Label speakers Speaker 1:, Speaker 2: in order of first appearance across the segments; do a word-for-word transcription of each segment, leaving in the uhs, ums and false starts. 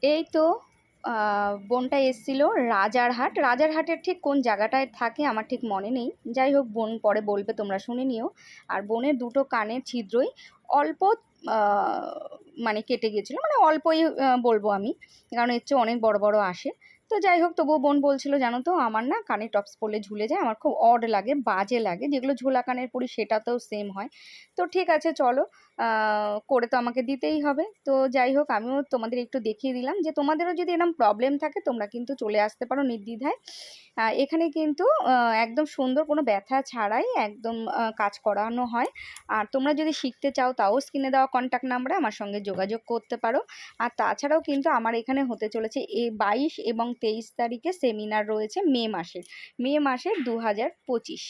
Speaker 1: এই তো বোনটা এসেছিল রাজারহাট। রাজারহাটের ঠিক কোন জায়গাটায় থাকে আমার ঠিক মনে নেই, যাই হোক বোন পরে বলবে, তোমরা শুনে নিও। আর বোনের দুটো কানের ছিদ্রই অল্প মানে কেটে গিয়েছিলো, মানে অল্পই বলবো আমি, কারণ এর চেয়ে অনেক বড় বড় আসে। তো যাই হোক, তবুও বোন বলছিল জানো তো আমার না কানে টপস পরলে ঝুলে যায়, আমার খুব অড লাগে, বাজে লাগে। যেগুলো ঝোলা কানের পরি সেটাতেও সেম হয়। তো ঠিক আছে চলো, করে তো আমাকে দিতেই হবে। তো যাই হোক, আমিও তোমাদের একটু দেখিয়ে দিলাম যে তোমাদেরও যদি এরকম প্রবলেম থাকে তোমরা কিন্তু চলে আসতে পারো নির্দ্বিধায়। এখানে কিন্তু একদম সুন্দর, কোনো ব্যথা ছাড়াই একদম কাজ করানো হয়। আর তোমরা যদি শিখতে চাও তাও স্ক্রিনে দেওয়া কন্ট্যাক্ট নাম্বারে আমার সঙ্গে যোগাযোগ করতে পারো। আর তাছাড়াও কিন্তু আমার এখানে হতে চলেছে এই বাইশ এবং তেইশ তারিখে সেমিনার রয়েছে মে মাসের মে মাসের দু হাজার পঁচিশ।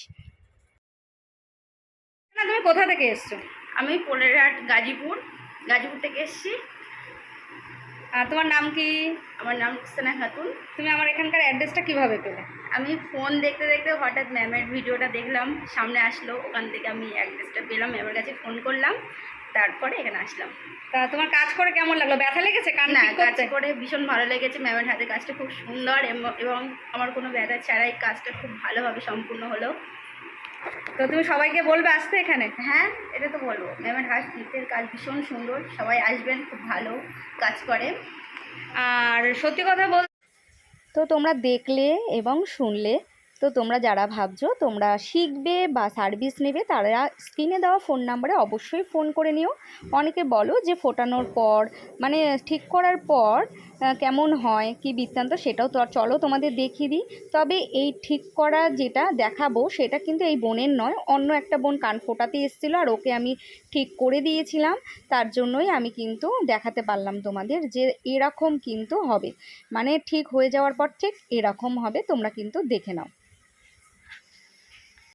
Speaker 1: তুমি কোথা থেকে এসছো?
Speaker 2: আমি পোলেরহাট গাজীপুর গাজীপুর থেকে এসেছি।
Speaker 1: আর তোমার নাম কি?
Speaker 2: আমার নাম রুকসানা খাতুন।
Speaker 1: তুমি আমার এখানকার অ্যাড্রেসটা কিভাবে পেলে?
Speaker 2: আমি ফোন দেখতে দেখতে হঠাৎ ম্যামের ভিডিওটা দেখলাম, সামনে আসলো, ওখান থেকে আমি অ্যাড্রেসটা পেলাম, ম্যামের কাছে ফোন করলাম, তারপরে এখানে আসলাম।
Speaker 1: তা তোমার কাজ করে কেমন লাগলো? ব্যথা লেগেছে? কান
Speaker 2: না,
Speaker 1: ঠিক
Speaker 2: কাজ
Speaker 1: করতে
Speaker 2: করে ভীষণ ভালো লেগেছে। ম্যামের হাতে কাজটা খুব সুন্দর এবং আমার কোনো ব্যথা ছাড়াই কাজটা খুব ভালোভাবে সম্পূর্ণ হলো।
Speaker 1: তো তুমি সবাইকে বলবে আসতে এখানে?
Speaker 2: হ্যাঁ, এটা তো বলবো। ম্যামের হাতের কাজ ভীষণ সুন্দর, সবাই আসবেন, খুব ভালো কাজ করে।
Speaker 1: আর সত্যি কথা বল, তো তোমরা দেখলে এবং শুনলে, তো তোমরা যারা ভাবছো তোমরা শিখবে বা সার্ভিস নেবে তারা স্ক্রিনে দেওয়া ফোন নাম্বারে অবশ্যই ফোন করে নিও। অনেকে বলো যে ফোটানোর পর মানে ঠিক করার পর কেমন হয় কি বৃত্তান্ত, সেটাও তো চলো তোমাদের দেখিয়ে দিই। তবে এই ঠিক করা যেটা দেখাবো সেটা কিন্তু এই বোনের নয়, অন্য একটা বোন কান ফোটাতে এসেছিলো আর ওকে আমি ঠিক করে দিয়েছিলাম। তার জন্যই আমি কিন্তু দেখাতে পারলাম তোমাদের যে এরকম কিন্তু হবে, মানে ঠিক হয়ে যাওয়ার পর ঠিক এরকম হবে, তোমরা কিন্তু দেখে নাও।